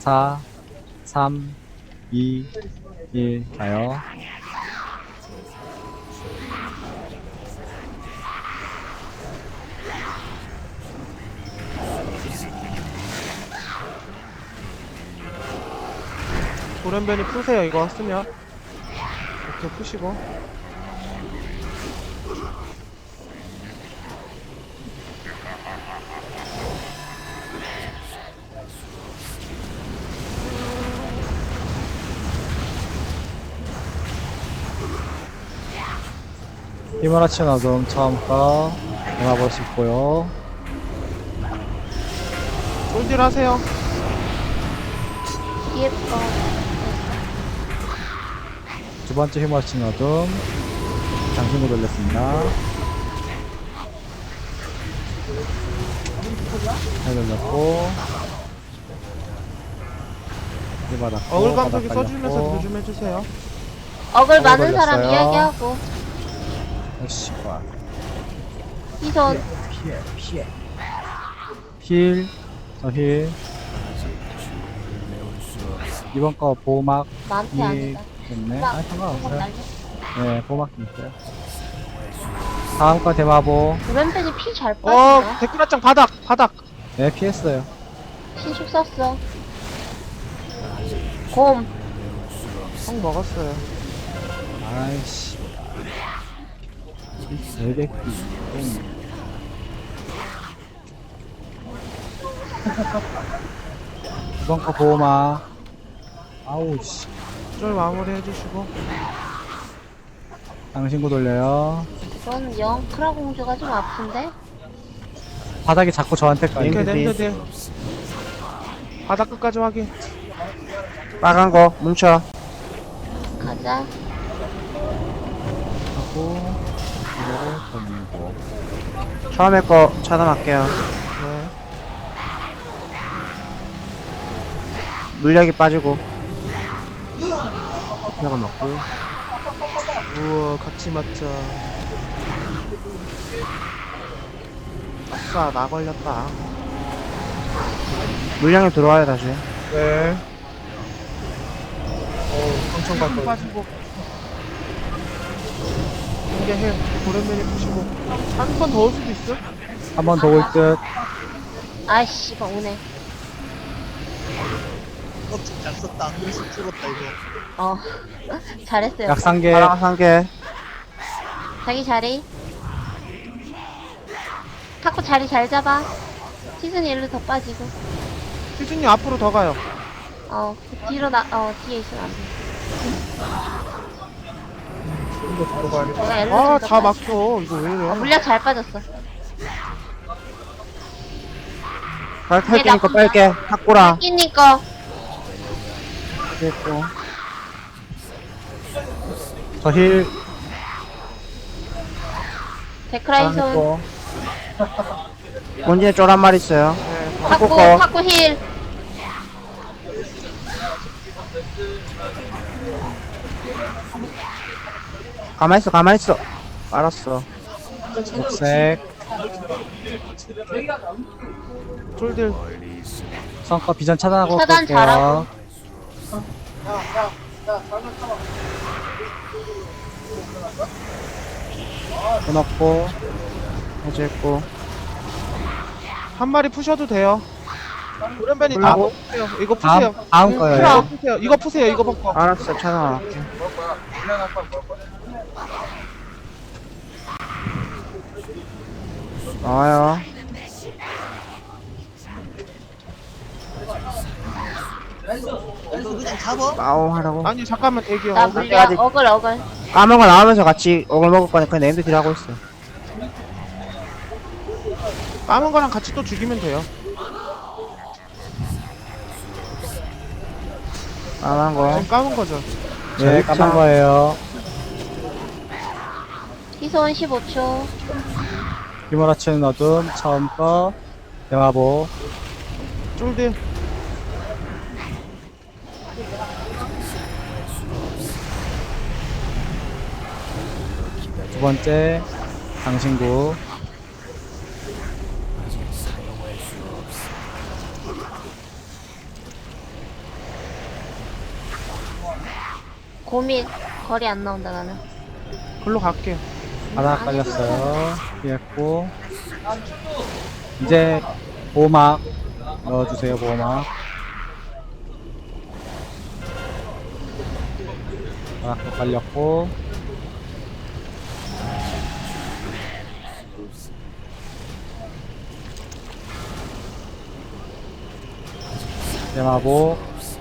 4, 3, 2, 1 가요. 돌연변이 푸세요. 이거 쓰면 이렇게 푸시고. 히마라치는 어둠 처음 거 대마볼 수 있고요. 쫄딜 하세요. 뒤에 거. 두 번째 히마라치는 어둠 장신구 돌렸습니다. 잘 돌렸고 이 받았고 어글 감독이 바닥 써주면서 깔렸고. 딜 좀 해주세요. 어글 어글 많은 사람 걸렸어요. 이야기하고. 역시 와. 희선. 힐, 저 힐. 이번 거 보호막 나한테 아니다. 있네. 막, 아, 상관없어요. 날려. 네, 보호막 있어요. 다음 거 대마보. 돌연변이 피 잘 빠진다. 데크라짱 바닥. 네, 피했어요. 신축 썼어. 곰. 형 먹었어요. 아이씨. 되게 이번 거 보호막. 아우, 씨. 쫄 마무리 해주시고. 당신구 돌려요. 이건 영 크라 공주가 좀 아픈데? 바닥이 자꾸 저한테 까요. 이렇게 랜드 딜. 바닥 끝까지 확인. 빨간 거 뭉쳐. 가자. 하고, 이거를 돌리고. 처음에 거 차단할게요. 네. 물약이 빠지고. 내가 넣고. 우와, 같이 맞자. 아싸, 나 걸렸다. 물량이 들어와요 다시. 네. 엄청 갈 빠지고. 이게 해. 돌연변이 푸시고. 한 번 더 올 수도 있어? 한 번 더 올 듯. 아이씨, 막 오네. 잘 썼다. 한글씩 찍었다 이거. 어. 잘했어요. 약상계. 파랑 한 개. 자기 자리. 타코 자리 잘 잡아. 시즌 일로 더 빠지고. 희준님 앞으로 더 가요. 뒤로 뒤에 있으면 안 돼. 내가 일로 아, 좀더 다 빠지- 막혀. 이거 왜 이래? 물약 잘 빠졌어. 탈 테니까 빨게. 탁구랑. 끼니 거. 됐고. 저 힐. 데크라이손. 했고. 본진에 쫄 한 마리 있어요. 네. 타코, 거. 타코 힐. 가만히 있어. 알았어. 녹색. 쫄들. 성과 비전 차단하고 차단 끌게요. 잘하고. 끊었고. 해제했고. 한 마리 푸셔도 돼요. 돌연변이 다 풀라고? 푸세요. 이거 푸세요. 다음 거예요. 이거 푸세요. 이거 푸세요. 이거 벗고. 알았어 차단할게. 나와요. 이거 그냥 잡어. 마오 하라고. 아니, 잠깐만 대기요. 나 어글. 물약, 아직- 어글. 까만 거 나오면서 같이 억을 먹을 거니까 네임드 딜 하고 있어. 까만 거랑 같이 또 죽이면 돼요. 까만 거. 지금 까만 거죠. 네, 까만 거예요. 희소원 15초. 휘몰아치는 어둠 처음 거. 대마보. 쫄들. 두 번째 당신구. 고민. 거리 안 나온다, 나는. 글로 갈게. 바닥 깔렸어요. 피했고. 이제 보호막 넣어주세요, 보호막. 바닥도 깔렸고. 대마보.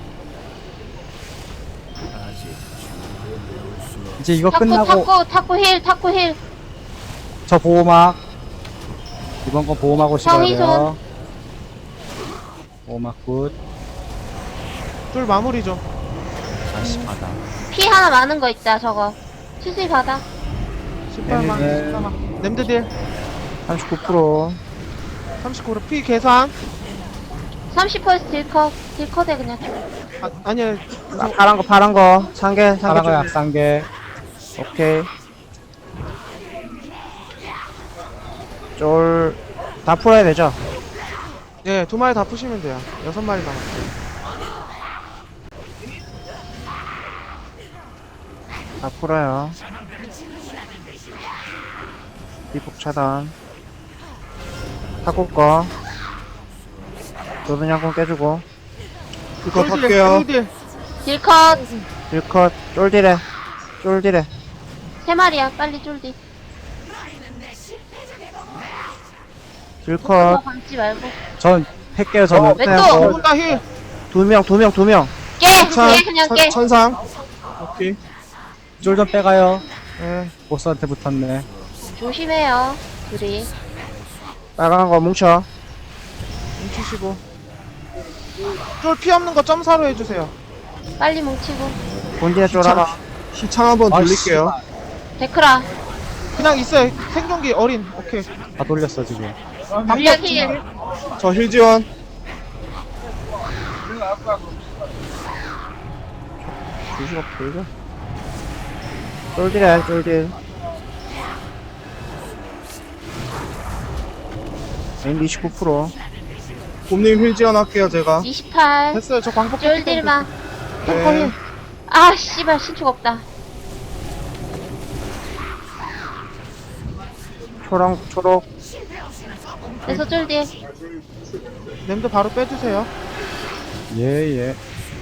이제 이거 끝나고 탁구 힐. 저 보호막 이번 건 보호막 오시면 돼요. 정의손. 보호막 굿. 쫄 마무리 좀. 다시 바닥. 피 하나 많은 거 있다, 저거. 치수이 바닥. 18만, 네. 14만. 냄드딜. 39%. 39로 피 계산. 30% 딜컷에 그냥. 아니야. 파란 거. 상계 사랑과 좀. 약상계. 오케이. 쫄, 다 풀어야 되죠? 예, 2마리 다 푸시면 돼요. 6마리 남았어요. 다 풀어요. 비폭 차단. 탁구 거. 노든양권 깨주고. 이거 할게요. 딜컷. 딜컷, 쫄디래. 쫄디래. 3마리야, 빨리 쫄디. 딜컷. 뭐 감지 말고. 전 할게요. 저는. 왜 그냥 또? 뭐- 두분다 힐. 두 명. 깨! 깨, 그냥 깨. 천상. 오케이. 쫄 좀 빼가요. 예. 보스한테 붙었네. 조심해요, 둘이. 빨간 거 뭉쳐. 뭉치시고. 쫄 피 없는 거 점사로 해주세요. 빨리 뭉치고. 본진에 쫄 하나. 시창 한번 돌릴게요. 데크라. 그냥 있어요. 생존기 어린. 오케이. 다 돌렸어 지금. 물약 힐. 저 힐 지원. 주시가 보이죠? 쫄디래, 쫄딜. 메인 29%. 곰님 힐 지원할게요, 제가. 28. 됐어요, 저 광폭. 쫄딜만. 네. 아, 씨발, 신축 없다. 초록. 그래서 쫄딜. 냄도 바로 빼주세요. 예.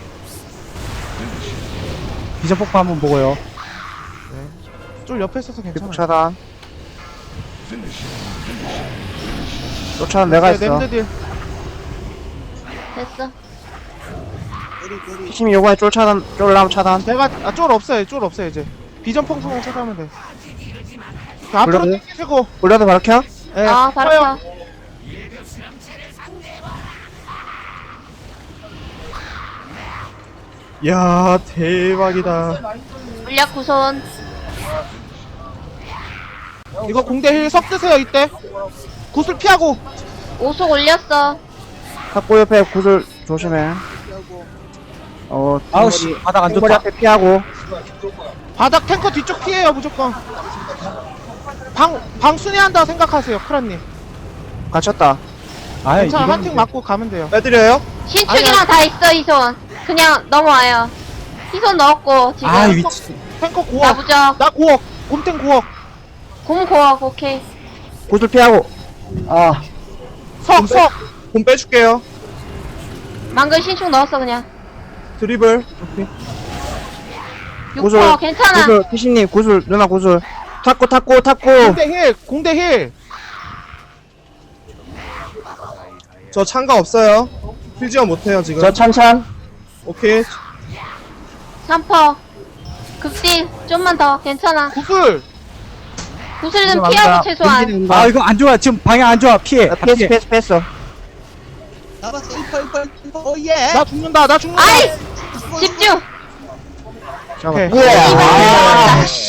비전 폭파 한번 보고요. 쫄 옆에 있어서 괜찮아. 비폭 차단. 쫓아는 내가 했어. 냄드딜. 됐어. 피심이 요번에 쫄 차단, 쫄람 차단. 내가, 쫄 없어요, 이제. 비전 펑펑 찾아오면 돼. 자, 앞으로 불러도? 땡기시고. 올려도 바로 켜? 예. 바로 켜요. 켜. 야, 대박이다. 물약 구손. 이거 공대 힐 석 드세요, 이때. 구슬 피하고. 오속 올렸어. 탁구 옆에 구슬 조심해. 아우 씨 바닥 안 탱머리 좋다. 앞에 피하고. 바닥 탱커 뒤쪽 피해요, 무조건. 방 순회한다 생각하세요, 크라님. 갇혔다. 아 괜찮아, 이건 한팅 맞고 가면 돼요. 빼드려요? 신축이랑 다 있어, 희손. 그냥 넘어와요. 희손 넣었고, 지금. 아 위치. 탱커 나 9억. 무적. 나 9억. 곰탱 9억. 곰 고억, 오케이. 구슬 피하고. 아, 석. 곰 빼줄게요. 망글 신축 넣었어, 그냥. 드리블. 6퍼, 괜찮아. 구슬, 피신님, 구슬, 누나 구슬. 탁구. 공대 힐. 저 창가 없어요. 힐 지원 못해요, 지금. 찬찬. 오케이. 3퍼. 극딜, 좀만 더, 괜찮아. 구슬. 구슬 좀 피하고, 최소한. 아 이거 안 좋아. 지금 방향 안 좋아. 피해. 다 피해. 패스. 잡았어. 1퍼. 오, 예. 나 죽는다. 아이! 집중! 잠깐. 오케이. 씨발, 아, 들어갔다.